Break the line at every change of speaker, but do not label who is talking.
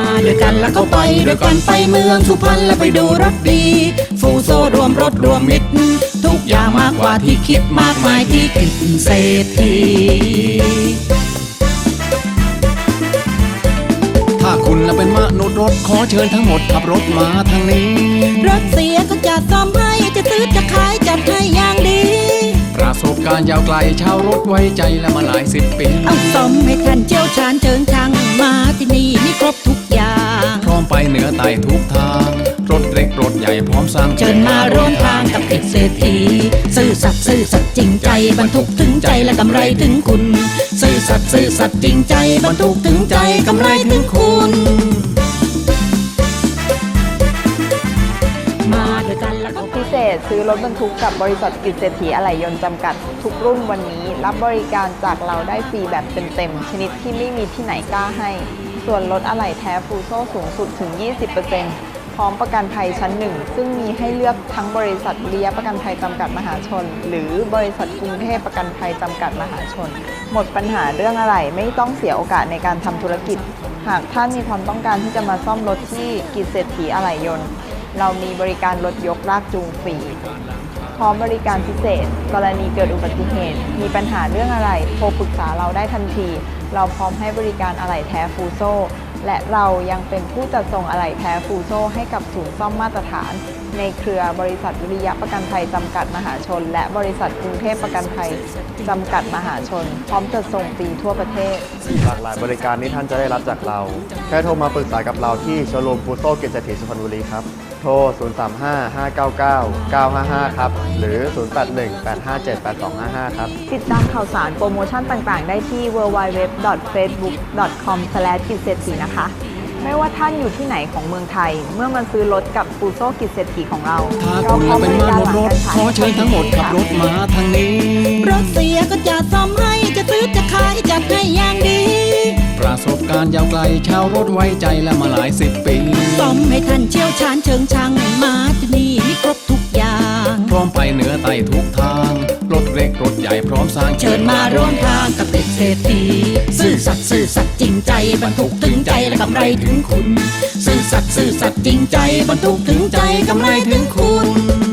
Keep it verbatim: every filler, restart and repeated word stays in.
ด้วยกันแล้วก็ไปด้วยกันไปเมืองสุพรรณแล้วไปดูรถดีฟูโซรวมรถรวมมิตรทุกอย่างมากกว่าที่คิดมากมายที่คิดเศรษฐี
ถ้าคุณเป็นมนุษย์รถขอเชิญทั้งหมดขับรถมาทางนี้
รถเสียก็จะซ่อมให้จะซื้อจะขายจัดให้อย่างดี
ประสบการณ์ยาวไกลชาวรถไว้ใจและมาหลายสิบปี
เอาซ่อมให้ท่านเชี่ยวชาญเชิงช่างมาที่นี่มีครบทุกอย่าง
พร้อมไปเหนือใต้ทุกทางรถเล็กรถใหญ่พร้อมสร้าง
เชิญมาร่วมทางกับเกษตรทีซื่อสัตย์ซื่อสัตย์จริงใจบรรทุกถึงใจและกำไรถึงคุณซื่อสัตย์ซื่อสัตย์จริงใจบรรทุกถึงใจกำไรถึงคุณมาด้วยกันแล้วก็
พิเศษซื้อรถบรรทุกกับบริษัทกิจเศรษฐีอะไหล่ยนต์จำกัดทุกรุ่นวันนี้รับบริการจากเราได้ฟรีแบบเต็มๆชนิดที่ไม่มีที่ไหนกล้าให้ส่วนลดอะไหล่แท้ฟูโซ่สูงสุดถึง ยี่สิบเปอร์เซ็นต์ พร้อมประกันภัยชั้นหนึ่งซึ่งมีให้เลือกทั้งบริษัทวิริยะประกันภัยจำกัดมหาชนหรือบริษัทกรุงเทพประกันภัยจำกัดมหาชนหมดปัญหาเรื่องอะไหล่ไม่ต้องเสียโอกาสในการทำธุรกิจหากท่านมีความต้องการที่จะมาซ่อมรถที่กิจเศรษฐีอะไหล่ยนต์เรามีบริการรถยกลากจูงฟรีพร้อมบริการพิเศษกรณีเกิดอุบัติเหตุมีปัญหาเรื่องอะไรโทรปรึกษาเราได้ทันทีเราพร้อมให้บริการอะไหล่แท้ฟูโซ่และเรายังเป็นผู้จัดส่งอะไหล่แท้ฟูโซ่ให้กับศูนย์ซ่อมมาตรฐานในเครือบริษัทวิริยะประกันภัยจำกัดมหาชนและบริษัทกรุงเทพประกันภัยจำกัดมหาชนพร้อมจัดส่งฟรีทั่วประเทศ
หลากหลายบริการที่ท่านจะได้รับจากเราแค่โทรมาปรึกษากับเราที่โชว์รูมฟูโซ่กิจเศรษฐีสุพรรณบุรีครับโทร ศูนย์ สาม ห้า ห้า เก้า เก้า เก้า ห้า ห้า ครับหรือ ศูนย์ แปด หนึ่ง แปด ห้า เจ็ด แปด สอง ห้า ห้า ครับ
ติดตามข่าวสารโปรโมชั่นต่างๆได้ที่ ดับเบิลยู ดับเบิลยู ดับเบิลยู ดอท เฟซบุ๊ก ดอท คอม สแลช กิจเศรษฐีนะคะไม่ว่าท่านอยู่ที่ไหนของเมืองไทยเมื่อมาซื้อรถกับฟูโซ่กิจเศรษฐีของเรา
ถ้าคุณเป็นมนุษย์รถขอเชิญทั้งหมดขับรถมาทางนี้
รถเสียก็จะซ่อมให้จะซื้อจะขายจัดให้อย่างดี
ประสบการณ์ยาวไกลชาวรถไว้ใจและมาหลายสิบปี
ซ่อมให้ท่านเชี่ยวชาญเชิงช่างมาที่นี่มีครบทุกอย่าง
พร้อมไปเหนือใต้ทุกทางรถเล็กรถใหญ่พร้อมสร้าง
เชิญมาร่วมทางกับเด็กเศรษฐีซื่อสัตย์ซื่อสัตย์จริงใจบรรทุกถึงใจและกำไรถึงคุณซื่อสัตย์ซื่อสัตย์จริงใจบรรทุกถึงใจกำไรถึงคุณ